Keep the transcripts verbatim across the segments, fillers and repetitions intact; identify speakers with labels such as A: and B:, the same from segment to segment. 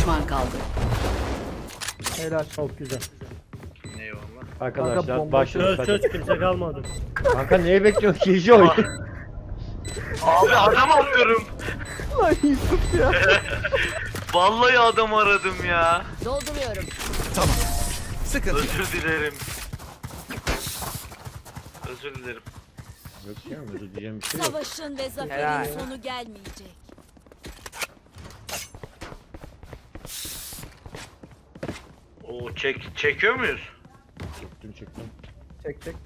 A: düşman kaldı.
B: Helal, çok güzel.
C: Eyvallah.
B: Kanka,
D: Arkadaşlar
B: bomba
D: başlıyoruz.
B: çöz,
D: Çöz çöz kimse kalmadı.
B: Kanka neyi bekliyorsun ki? İyice oy.
C: Abi adam arıyorum.
B: Lan Yusuf ya.
C: Vallahi adam aradım ya.
A: Dolduruyorum.
E: Tamam. Sıkıntı yok.
C: Özür dilerim. Özür dilerim.
B: Yok ya, özür diyeceğim bir şey yok.
A: Savaşın ve zaferin
F: Helal.
A: sonu gelmeyecek.
C: Oo çek çekiyor muyuz?
B: Çektim çektim.
D: Çek çek.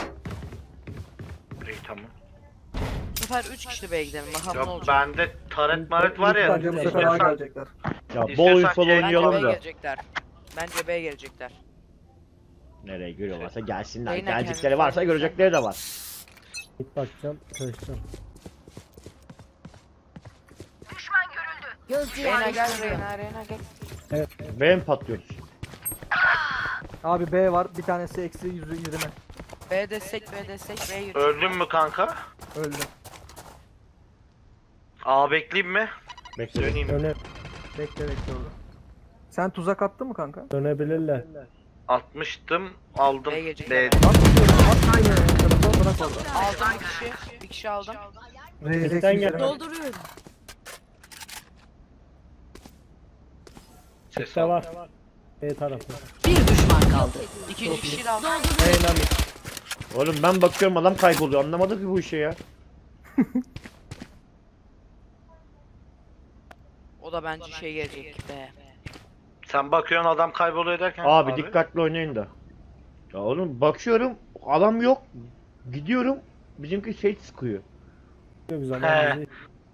C: İyi tamam.
F: Bu sefer üç kişi B'ye gidelim bakalım ne
C: Ya
F: olacak.
C: bende taret maret var ya.
D: Bence bu sefer A gelecekler.
B: Ya bol
C: İstiyorsan
B: info
C: şey-
F: Bence
B: oynayalım
F: B'ye
B: da.
F: gelecekler. Bence B'ye gelecekler.
B: Nereye görüyorlarsa gelsinler.
F: Yayına
B: Gelecekleri
F: kendini
B: varsa
F: sorun
B: görecekleri de var.
D: İlk bakacağım. Çalışacağım.
A: Gözcü
F: Reyna gel
A: yerleştiriyor.
F: Reyna Reyna gel.
B: Beğen patlıyoruz.
D: Abi B var. Bir tanesi eksi yüz yirmi.
F: B destek B destek B'ye yürü.
C: Öldün mü kanka?
D: Öldü.
C: A bekleyeyim mi?
B: Bekle.
C: Döneyim.
D: Döne,
B: Bekle bekle orada.
D: Sen tuzak attın mı kanka?
G: Dönebilirler.
C: Atmıştım, aldım.
F: B'ye gelecek.
C: B.
D: At tutuyorum. At aynı tarafa bırak orada.
F: Aldım bir kişi. Bir kişi aldım.
D: Reis
G: Bizden
D: eksi
G: gel.
D: yirmi.
A: Dolduruyorum.
C: Ses
G: İşte
C: al.
G: var. B tarafı.
A: Bir düşman kaldı.
F: İkinci kişiyi de aldım.
D: Helal.
B: Oğlum ben bakıyorum adam kayboluyor. Anlamadık ki bu işi ya.
F: O da bence şey gelecek be.
C: Sen bakıyorsun adam kayboluyor derken.
B: Abi, dikkatli oynayın da. Ya oğlum bakıyorum adam yok. Gidiyorum. Bizimki şey sıkıyor.
G: Çok güzel.
C: He.
G: Yani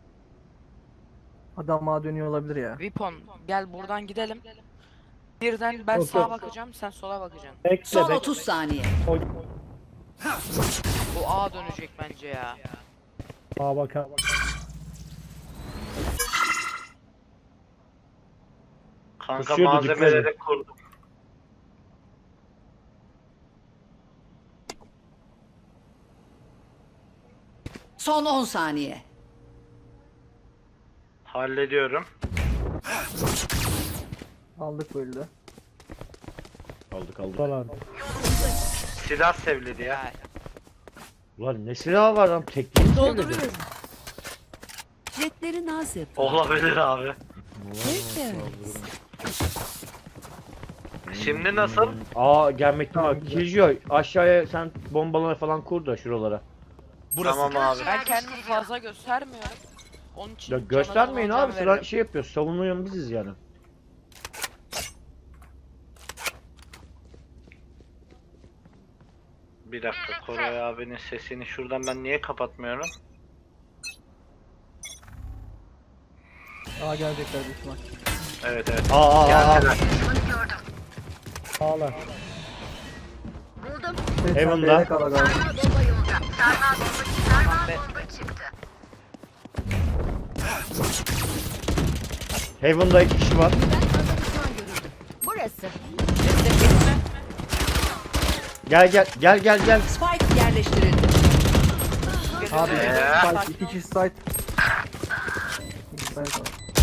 D: Adam A dönüyor olabilir ya.
F: Vipon gel buradan gidelim. Birden ben
G: Yok,
F: sağa
G: yok.
F: bakacağım sen sola bakacaksın.
G: Bekle
A: Son
G: bekle.
A: otuz saniye.
G: Oy.
F: Bu A dönecek bence ya.
G: Aa bakalım.
C: Kanka
B: Kusuyordu, dikkat
C: malzemeleri kurdum.
A: Son on saniye.
C: Hallediyorum.
D: Aldık böyle.
B: Aldık aldık.
G: Buralarda.
C: Silah sevledi ya.
F: Ya
B: Ulan ne silahı var lan? Tekniği mi söyledi?
A: Dolduruyorum. Jetleri naz yapıyor.
C: Olabilir abi.
A: Tertemiz.
C: Şimdi nasıl?
B: Aa gelmekte
D: Tamam,
B: var.
D: güzel.
B: Kijo aşağıya sen bombaları falan kur da şuralara.
E: Burası.
C: Tamam abi.
F: ben kendimi fazla göstermiyorum. Onun için
B: Ya
F: cana
B: göstermeyin
F: falan
B: abi.
F: can
B: Sıra
F: veriyorum.
B: şey yapıyoruz. Savunuyor biziz yani.
C: Bir dakika, Koray abinin sesini şuradan ben niye kapatmıyorum?
D: A gelecekler büyük ihtimal.
C: Evet evet.
B: Aa aa aa.
C: Geldiler.
G: Sağlar.
D: Sen
B: Heaven'da.
D: B'ye kala galiba.
B: Heaven'da iki kişi var.
A: Burası.
F: Destek gitme.
B: Gel gel gel gel gel.
A: Spike yerleştirildi.
D: Abi
C: Ee?
D: site, iki kişi site. İki site var.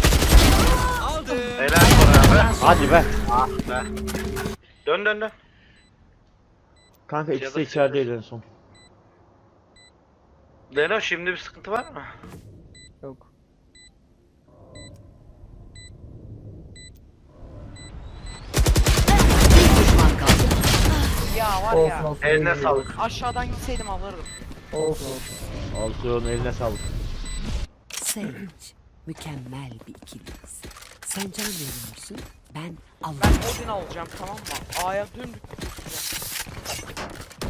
C: Helal Koray abi.
B: Hadi be.
C: Ah be. Dön dön dön.
B: Kanka ikisi de
C: Cevap
B: içerideydi en son.
C: Leno şimdi bir sıkıntı var mı?
D: Yok.
A: Bir düşman kaldı.
F: Ya var
D: Olsun
F: ya.
D: olsun.
C: Eline
D: iyi, iyi.
C: sağlık.
F: Aşağıdan gitseydim alırdım.
D: Olsun olsun.
B: Alsın eline sağlık.
A: Sage. Mükemmel bir ikiliyiz. Sen can veriyorsun. Ben
F: Ben
A: Allah'ım.
F: Odin alacağım tamam mı? A'ya dümdük götüreceğim.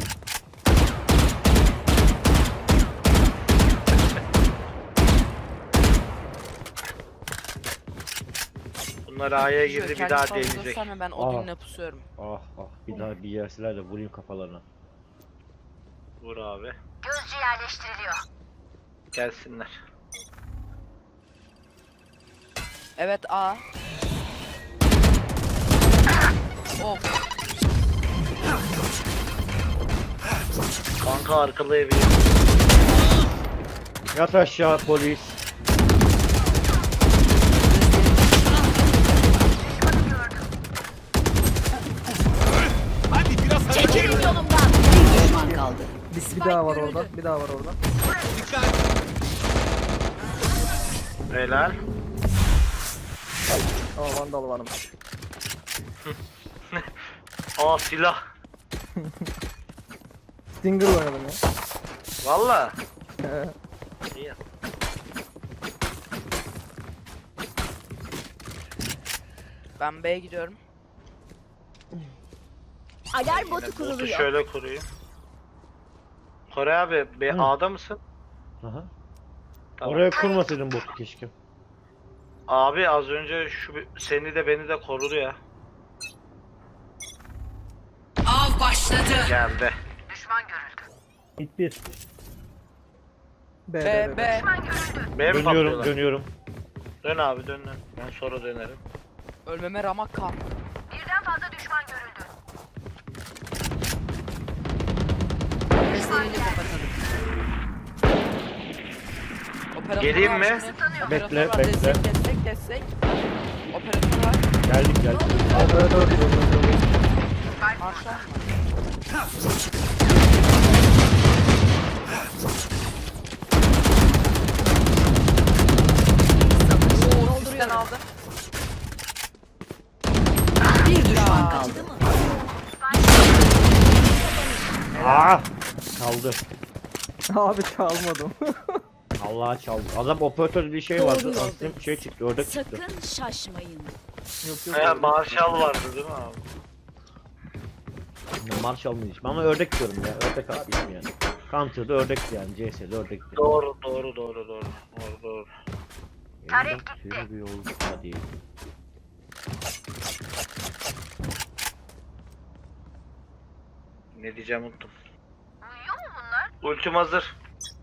C: Bunlar A'ya girdi, bir
F: Kendi
C: daha
F: sağlığı
C: deneyecek.
F: gösterme, ben Odin'le pusuyorum.
B: Ah ah bir daha bir yerseler de vurayım kafalarına.
C: Vur abi. Gözcü yerleştiriliyor. Gelsinler.
F: Evet A. Of.
C: Kanka arkalı evi.
B: Yat aşağı polis.
A: Çekilin yolumdan. Bir düşman kaldı.
D: Bir, bir daha var orada. Bir daha var orada.
C: Helal.
D: Aa vandal varmış.
C: Aa silah.
D: Stinger oynadım ya.
C: Valla. İyi.
F: Ben B'ye gidiyorum.
A: Alarm botu
C: Botu
A: kuruluyor.
C: şöyle kurayım. Kore abi B
B: Hı.
C: A'da mısın?
B: Aha.
C: Tamam.
B: Oraya kurmasaydın botu keşke.
C: Abi az önce şu bir- seni de beni de korudu ya.
A: Av başladı.
C: Geldi.
G: İlk bir.
D: B,
F: B,
D: B, B.
F: B.
C: B mi
B: Dönüyorum
C: patlıyorlar?
B: dönüyorum.
C: Dön abi dön dön. Ben sonra dönerim.
F: Ölmeme ramak kal.
A: Gözlerini kapatalım.
F: Operatör
C: Geleyim
F: var
C: mi?
F: şimdi.
B: Bekle,
F: Operatör var.
B: bekle.
F: Destek destek destek. Operatör var.
B: Geldik geldik.
D: Operatör değil, operatör değil.
F: Marşal. Oo, sizden aldım.
A: Bir düşman kaldı.
B: Aa! Çaldı.
D: Abi çalmadım.
B: Allah çaldı. Adam operatör bir şey vardı. Aslında şey çıktı, ördek çıktı.
H: Sakın şaşmayın.
D: Yok yok.
C: He Marshall vardı değil mi abi?
B: Marshall mı diyeyim ama ördek diyorum ya. Ördek haklıyım yani. Counter'da ördekti yani. C S'de ördekti.
C: Doğru doğru doğru doğru. Doğru doğru.
B: Tarek gitti. Bir yol hadi.
C: Ne diyeceğim unuttum. Uyuyor mu bunlar? Ultim hazır.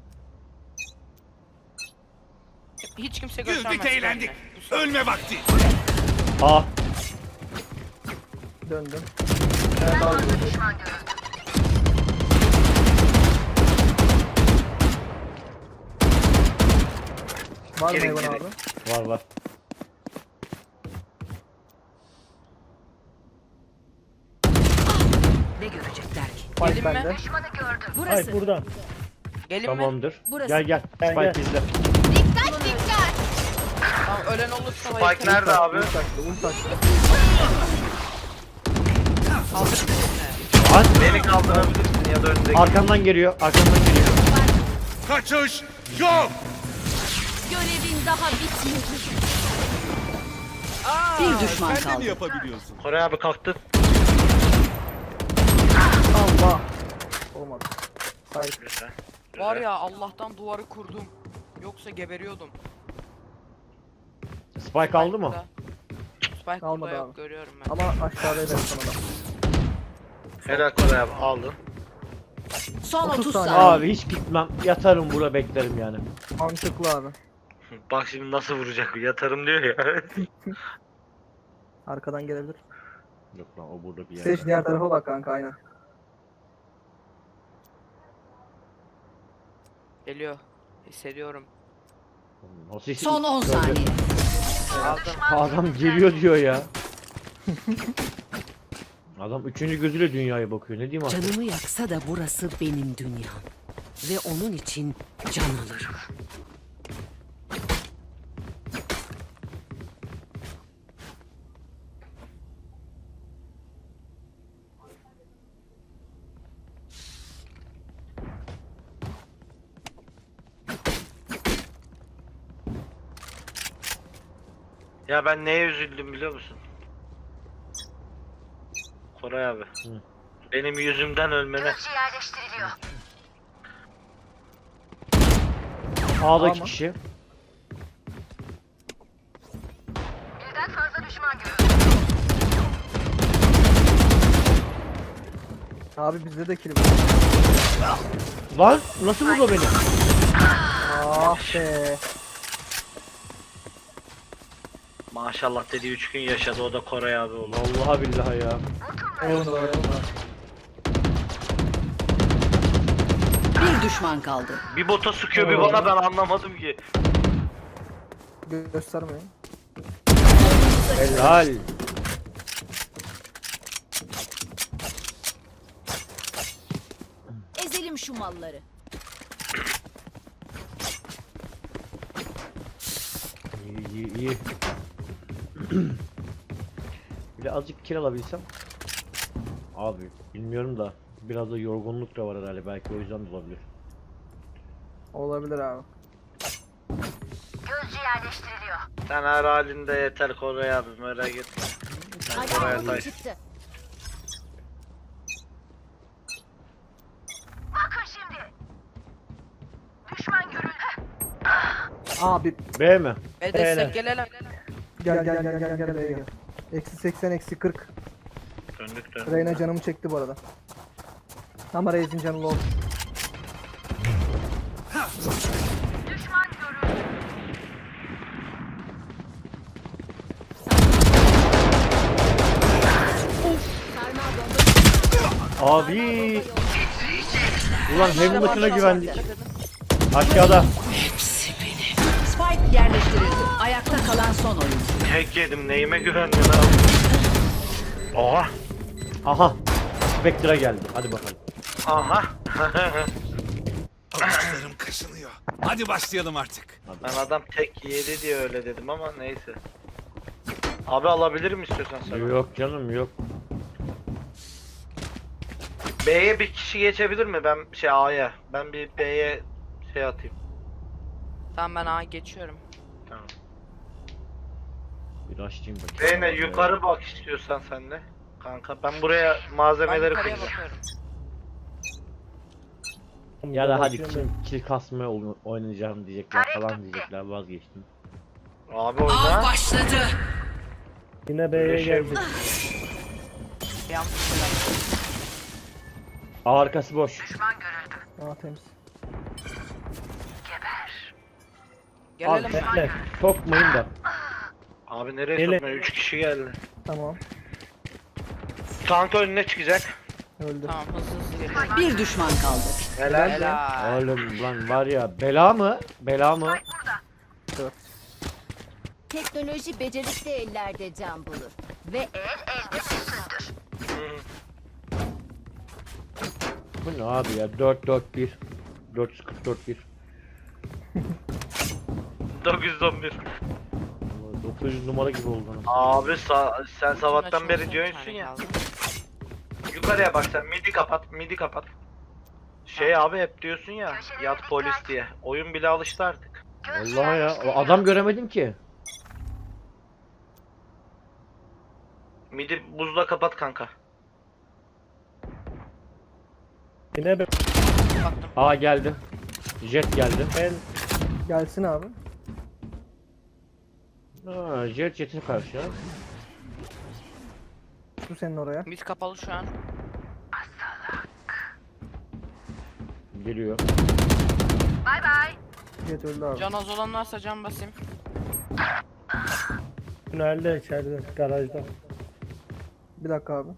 F: Hiç kimse göstermez.
E: Güldük eğlendik.
F: kendine.
E: Ölme vakti.
B: A.
D: Döndüm. Ben daha Var mı
C: Gelin,
D: Evan
C: gelin.
D: abi?
B: Var var.
A: Ne görecekler ki?
D: Fight
F: Gelin mi?
D: bende.
A: Burası.
G: Hayır burada.
F: Gelin mi?
B: Tamamdır.
A: Burası.
B: Gel gel.
G: Gel,
B: Spike
G: gel.
B: bizde.
F: Tamam ölen olursa
C: Spike nerede abi?
D: Ult taktı, ult taktı.
F: Kaldırın birini.
B: Lan
C: Beni kaldırabilirsin ya da öndeki.
B: arkamdan geliyor. Arkamdan geliyor.
E: Kaçış yok.
H: Görevin daha bitmedi.
A: Bir düşman
E: Sen de mi
A: kaldı.
E: yapabiliyorsun?
C: Kore abi kalktı.
D: Allah. Olmadı. Hayır.
C: Güzel.
F: Var ya Allah'tan duvarı kurdum. Yoksa geberiyordum.
B: Spike aldı mı?
F: burada. Spike
D: Almadı
F: burada yok
D: abi.
F: görüyorum ben.
D: Ama aşağıdaydı sana da.
C: Helal Kore abi aldın.
A: Son
D: otuz
A: otuz
D: saniye.
A: saniye.
B: Abi hiç gitmem. Yatarım burada beklerim yani.
D: Mantıklı abi.
C: Bak şimdi nasıl vuracak yatarım diyor ya.
D: Arkadan gelebilir.
B: Yok lan o burada bir yerde.
D: Seç diğer tarafa bak kanka aynen.
F: Geliyor. Hissediyorum.
B: Nasıl hiç-
A: Son on
B: Gördüm.
A: saniye.
F: Aldım.
B: Adam geliyor diyor ya. Adam üçüncü gözüyle dünyaya bakıyor. Ne diyeyim artık?
A: Canımı yaksa da burası benim dünyam. Ve onun için can alırım.
C: Ya ben neye üzüldüm biliyor musun? Koray abi.
B: Hı.
C: Benim yüzümden ölmene.
B: A'daki
D: Ama-
B: kişi.
D: Abi bizde de kill var.
B: Lan nasıl vurdu beni?
D: Ah be.
C: Maşallah dedi üç gün yaşadı o da Koray abi oldu.
B: Vallahi billahi ya.
D: Eyvallah eyvallah.
A: Bir düşman kaldı.
C: Bir bota sıkıyor bir bana ben anlamadım ki.
D: Gö- Göstermeyin.
B: Helal.
H: şu malları.
B: İyi iyi iyi. Bir de azıcık kill alabilsem. Abi bilmiyorum da biraz da yorgunluk da var herhalde, belki o yüzden de olabilir.
D: Olabilir abi.
C: Sen her halinde yeter Koray abi, merak etme. Sen Koray'a
H: Alarm
C: taş.
H: çıktı.
D: Abi
B: B mi?
F: Ve destek
G: Beyler.
F: gelelim.
D: gel gel gel gel gel B'ye gel. Eksi seksen eksi kırk.
C: Döndük döndük.
D: Reyna canımı çekti bu arada. Ama Reis'in canı low.
H: Sarmal bomba.
B: Abi. Ulan Heaven'dakine güvendik. Aşağıda.
A: Spike yerleştirildi. Ayakta kalan son oyuncu.
C: Hack yedim, neyime güvendin abi? Oha.
B: Aha. Spectre geldi. Hadi bakalım.
C: Aha.
E: Avuçlarım kaşınıyor. Hadi başlayalım artık.
C: Ben adam tek yedi diye öyle dedim ama neyse. Abi alabilirim istiyorsan sen.
B: Yok canım yok.
C: B'ye bir kişi geçebilir mi? Ben şey A'ya. Ben bir B'ye şey atayım.
F: Tamam ben A geçiyorum.
C: Tamam.
B: Bir açayım bakayım.
C: Reyna yukarı bak istiyorsan sen de. Kanka ben buraya
F: Ben
C: malzemeleri
F: yukarıya
C: koyacağım.
F: bakıyorum.
B: Ya da hadi kill, kill kasmaya oyna- oynayacağım diyecekler falan diyecekler, vazgeçtim.
C: Abi oyna.
A: başladı.
G: Yine B'ye
C: Öyle şey
G: geldik.
F: Yanlış şeyler.
B: A arkası boş.
D: Aa temiz.
F: Gelelim.
B: Abi,
G: Bekle.
B: Sokmayın da.
C: Abi nereye
G: Ele-
C: sokmuyor? üç kişi geldi.
D: Tamam.
C: Kanka önüne çıkacak.
D: Öldü.
F: Tamam hızlı hızlı geliyorum.
A: Bir düşman kaldı.
C: Helal.
F: Helal.
B: Oğlum lan var ya, bela mı? Bela mı?
H: Teknoloji becerikli ellerde can bulur. Ve el elde üstündür.
B: Bu ne abi ya? dört dört bir. dört yüz kırk dört bir.
C: dokuz yüz on bir.
B: dokuz yüz numara gibi oldu. anasını.
C: Abi sa- sen sabahtan beri
F: Açılsın,
C: diyorsun
F: tane
C: ya.
F: kaldı.
C: Yukarıya bak sen, midi kapat, midi kapat. Şey abi hep diyorsun ya, yat polis diye. Oyun bile alıştı artık.
B: Vallahi ya, o adam göremedim ki.
C: Midi buzla kapat kanka.
G: Yine B.
F: Baktım.
B: A geldi. Jet geldi.
G: Ben
D: Gelsin abi.
B: Ha, jet jet'e karşı ya.
D: Şu senin oraya.
F: Mid kapalı şu an.
B: Geliyor.
D: Jet öldü abi.
F: Can az olan varsa can basayım.
G: tünelde içeride garajda.
D: Bir dakika abi.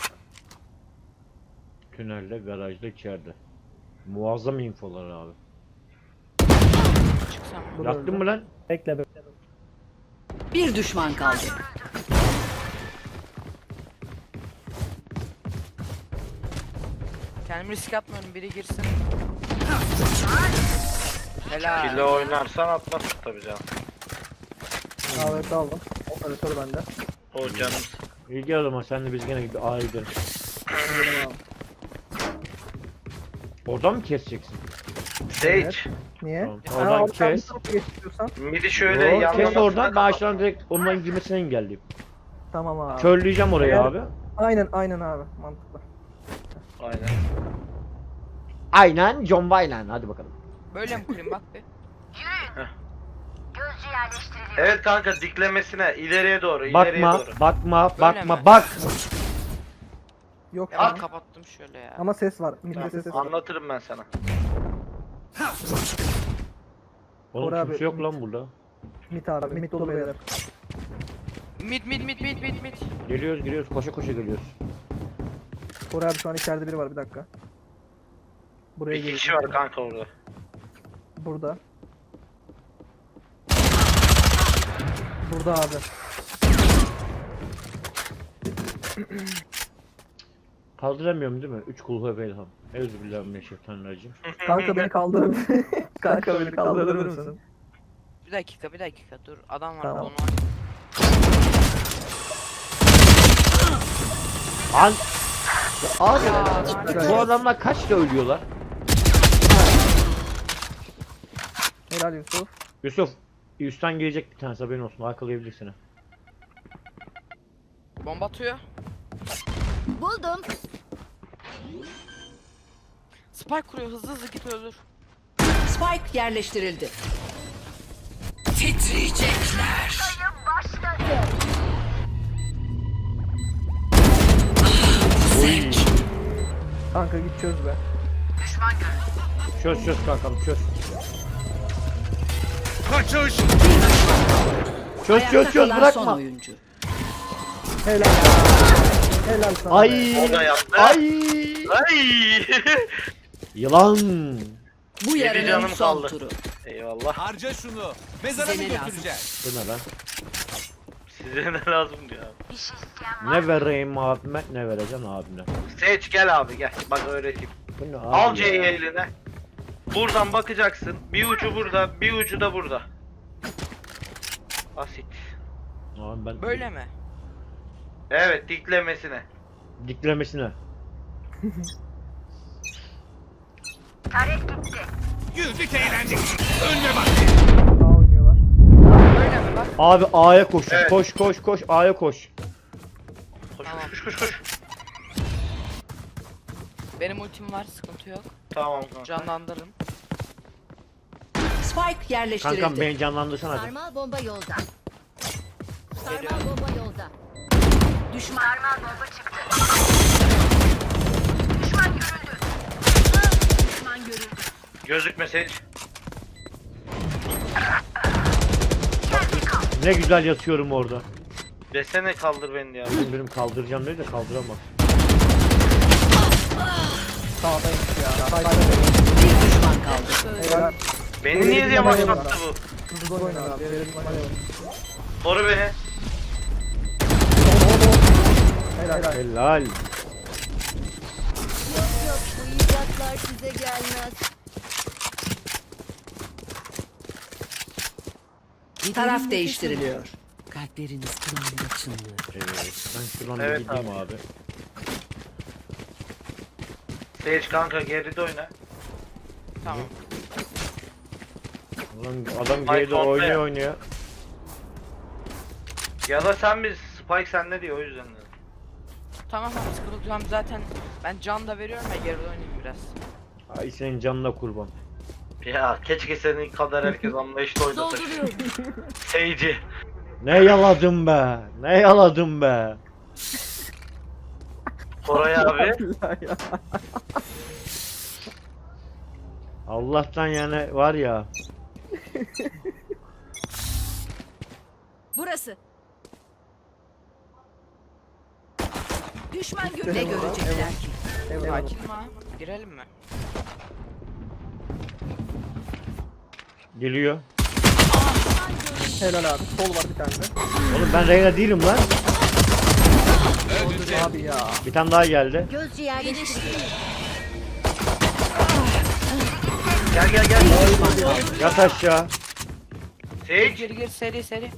B: Tünelde, garajda, içeride. Muazzam infolar abi.
F: Çıksam.
D: Bu da
B: Yaktın
D: öldü.
B: mı lan?
G: Bekle be.
A: Bir düşman kaldı.
F: Kendimi risk atmıyorum, biri girsin. Helal.
C: Kille oynarsan atmazsın tabii canım.
D: Evet aldım. Operatör bende.
C: O canım.
B: İyi gel o zaman, sen de biz gene gibi A'ya gidelim.
D: Gidelim abi.
B: Oradan mı keseceksin?
C: Sage.
D: Niye?
B: Tamam,
D: Ha,
B: oradan
D: abi sen bir
B: kes.
D: tarafa geç istiyorsan.
C: Midi şöyle
B: Yo,
C: yan
B: kes
C: yana-
B: oradan, ben aşağıdan direkt onların girmesini engelleyeyim.
D: Tamam abi.
B: Körleyeceğim orayı
D: Eğer-
B: abi.
D: Aynen aynen abi. Mantıklı.
C: Aynen.
B: Aynen John Wayne, hadi bakalım.
F: Böyle mi kurayım bak bir.
C: Evet kanka, diklemesine ileriye doğru, ileriye
B: Bakma,
C: doğru.
B: bakma,
F: Böyle
B: bakma,
F: mi?
B: bak.
D: Yok
F: Ya
D: abi.
F: ben kapattım şöyle ya.
D: Ama ses var. Midde
C: Tamam,
D: ses var.
C: anlatırım ben sana.
B: Oğlum
D: Koray
B: kimse
D: abi,
B: yok lan burada.
D: Mid abi. Mid dolu beyler.
F: Mid mid mid mid mid mid.
B: Geliyoruz, geliyoruz, koşa koşa geliyoruz.
D: Koray abi şu an içeride biri var, bir dakika. Buraya
C: Bir
D: geliyor.
C: kişi var kanka orada.
D: Burada. Burada abi.
B: Kaldıramıyorum değil mi? Üç kulhu velham. Euzubillahimineşşeytanirracim.
D: Kanka beni kaldırır. Kanka beni kaldırır mısın?
F: Bir dakika bir dakika dur adam var
D: Tamam.
F: onu var.
B: An Abi
F: Ya,
B: bu adamlar kaçta ölüyorlar?
D: Helal Yusuf.
B: Yusuf üstten gelecek bir tanesi haberin olsun. Arkalayabilirsin.
F: Bomba atıyor.
H: Buldum.
F: Spike kuruyor hızlı hızlı git öldür.
A: Spike yerleştirildi. Titriyecekler.
D: Kanka git çöz be.
B: Çöz çöz kankam çöz.
E: Kaçış.
B: Çöz
A: Ayakta
B: çöz çöz
A: kalan son
B: bırakma.
A: oyuncu.
D: Helal. Helal sana. be.
B: Ay.
C: O da yaptı.
B: Ay.
C: Ay.
B: Yılan.
A: Bu
C: Yedi
A: yarının
C: canım
A: son
C: kaldı.
A: turu.
C: Eyvallah.
E: Harca şunu. Mezara mı
A: Size ne lazım?
E: götüreceğiz?
B: Bu ne lan?
C: Size ne lazım diyor abi.
B: Ne vereyim abime ne vereceğim abime.
C: Seç gel abi gel. Bak öğreteyim.
B: Bu ne abi
C: Al
B: ya?
C: C'yi eline. Buradan bakacaksın. Bir ucu burada, bir ucu da burada. Basit.
B: Abi ben
F: Böyle mi?
C: Evet, diklemesine.
B: diklemesine.
E: Güldük eğlendik. Önüne bak.
D: Daha oynuyorlar.
F: Böyle mi bak?
B: Abi A'ya koş.
C: Evet.
B: Koş koş koş A'ya koş.
C: Koş
F: Tamam.
C: koş koş koş koş.
F: Benim ultim var sıkıntı yok.
C: Tamam kanka.
F: Canlandırın.
A: Spike yerleştirildi.
B: Kankam beni canlandırsana hadi.
H: Sarmal bomba yolda. Sarmal bomba yolda.
A: Düşman.
H: Sarmal bomba çıktı. Düşman görüldü. Düşman görüldü.
C: Gözükme Seç.
B: Ne güzel yatıyorum orada.
C: Desene kaldır beni ya.
B: Benim, benim kaldıracağım dedi de kaldıramaz.
D: Sağdaymış ya.
A: Bir düşman kaldı.
D: Helal.
C: Beni niye diye başlattı bu?
D: Hızlı oyna abi. Verelim hadi.
C: Koru beni.
D: Helal. Helal.
B: Helal.
H: Yok yok bu icatlar size gelmez.
A: Taraf değiştiriliyor. Kalpleriniz kınamda çınlıyor.
B: Evet, ben şuradan
C: Evet
B: bir gideyim abi.
C: Seç kanka geride oyna.
F: Tamam.
B: Ulan adam
C: Ay,
B: geride
C: sonda
B: oynuyor
C: ya.
B: oynuyor.
C: Ya da sen biz Spike sende diyor o yüzden dedim.
F: Tamam tamam sıkıntı yok. Tamam, zaten ben can da veriyorum ya geride oynayayım biraz.
B: Ay senin canına kurban.
C: Ya keşke senin kadar herkes anlayışlı oynasa. Seyci.
B: Ne yaladım be. Ne yaladım be.
C: Koray abi.
D: Ya.
B: Allah'tan yani var ya.
H: Burası. Düşman görüldü.
A: Ne görecekler ki?
D: Evet.
F: Sakin mi? Girelim mi?
B: Geliyor.
D: Helal abi. Sol var bir tane de.
B: Oğlum ben Reyna değilim lan.
D: Abi ya.
B: Bir tane daha geldi.
H: Gözcü yerleştirildi.
C: Gel gel gel.
B: Yat aşağı.
C: Sage.
F: Gir gir seri seri.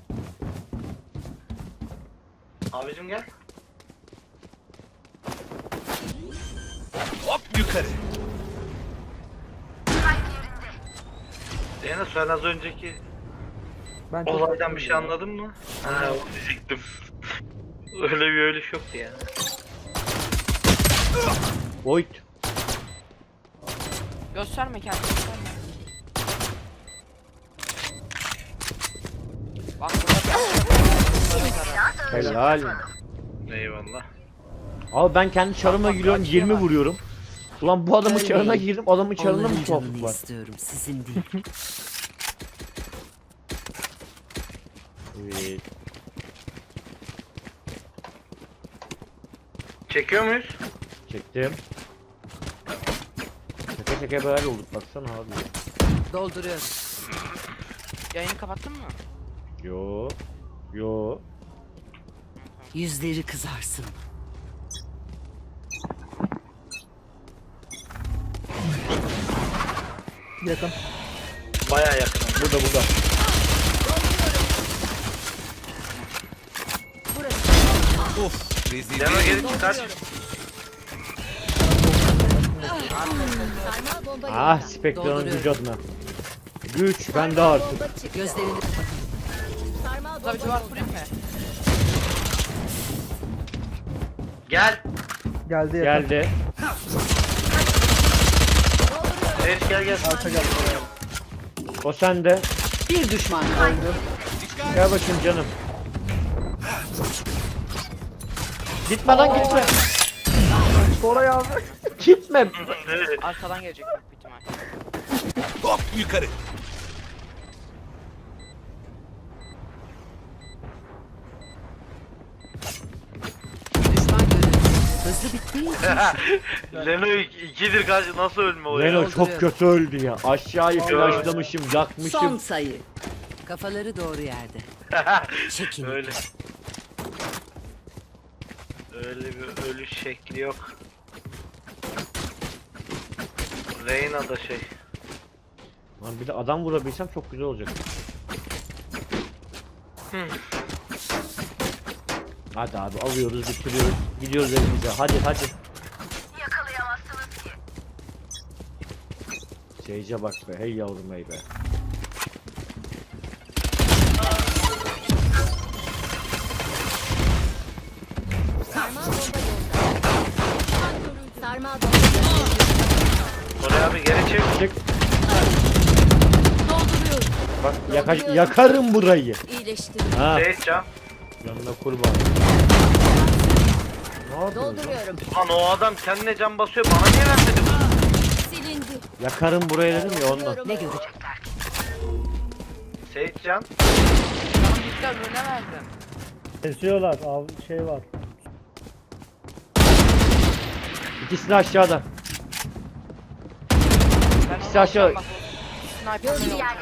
C: Abicim gel.
E: Hop yukarı.
C: Zeynep sen az önceki
D: Ben çok
C: olaydan bir şey anladın mı? Ha onu diyecektim. Öyle bir öyle yoktu ya.
B: Void.
F: Gösterme kendini gösterme. Bak burada bir
B: Helal.
C: Eyvallah.
B: Abi ben kendi çarıma
F: Tamam,
B: giriyorum
F: kaçıyor
B: yirmi
F: bak.
B: vuruyorum. Ulan bu adamın çarına
A: Ölmeyin.
B: girdim adamın çarına mı
A: Onların
B: tuhaflık
A: canını
B: var?
A: istiyorum, sizin değil.
B: Evet.
C: Çekiyor muyuz?
B: Çektim. Şaka şaka beraber olduk baksana abi.
A: Dolduruyorum.
F: yayını kapattın mı?
B: Yo. Yo.
A: Yüzleri kızarsın.
D: Yakın.
C: Baya yakın.
B: Burada burada.
E: Of rezil.
C: Leno geri çıkar.
H: Sarmal bomba
B: Ah
H: yolda.
B: Spectre'ın
A: Dolduruyorum.
B: gücü adına. Güç bende artık.
H: Bomba çıktı.
A: Gözlerini
H: Sarmal
F: Burada bir
H: bomba
F: duvar
H: yolda.
F: kurayım mı?
C: Gel.
D: Geldi yakın.
B: Geldi.
C: Reis gel gel.
D: Arka geldi.
B: O sende.
A: bir düşman kaldı.
B: Gel bakayım canım. Gitme lan gitme.
D: Koray abi.
B: Gitme.
F: Arkadan gelecek büyük bir ihtimal.
E: Hop yukarı.
A: Düşman görüldü. Hızlı bittiği için
C: Leno ikidir karşı nasıl ölme o ya?
B: Leno çok kötü öldü ya. Aşağıyı flashlamışım,
A: son
B: yakmışım.
A: sayı. Kafaları doğru yerde. Çekin.
C: Öyle. Öyle bir ölüş şekli yok. Reyna da şey.
B: Lan bir de adam vurabilsem çok güzel olacak. Hadi abi alıyoruz, bitiriyoruz. Gidiyoruz evimize. Hadi hadi. Yakalayamazsınız ki. Seyce bak be. Hey yavrum hey be.
H: Sarmal bomba yolda. Sarmal bomba yolda.
C: Koray abi geri çek.
B: Çık. Bak yaka- yakarım burayı.
H: İyileştiriyorum.
B: Ha
C: Reis can.
B: yanına kurban. Ne yapıyorsun? lan?
H: Dolduruyorum.
C: Lan o adam kendine can basıyor bana niye vermedi bu?
H: Silindi.
B: Yakarım burayı dedim ya ondan.
H: Dolduruyorum.
A: Ne görecekler?
C: Seyit can.
F: Canım gitti öbürüne verdim.
G: Kesiyorlar. Av şey var.
B: İkisi de aşağıda.
F: Ben
B: İkisi
F: onu
B: aşağı-
F: alacağım bak, o Sniper'ın
H: Gözlü
F: yolda.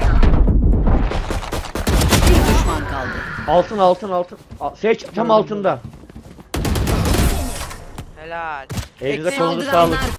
A: Bir düşman kaldı.
B: Altın altın altın. Al- Seç tam altında.
F: Helal.
B: Elinize
A: Tek
B: kolunuza
A: saldıranlar
B: sağlık.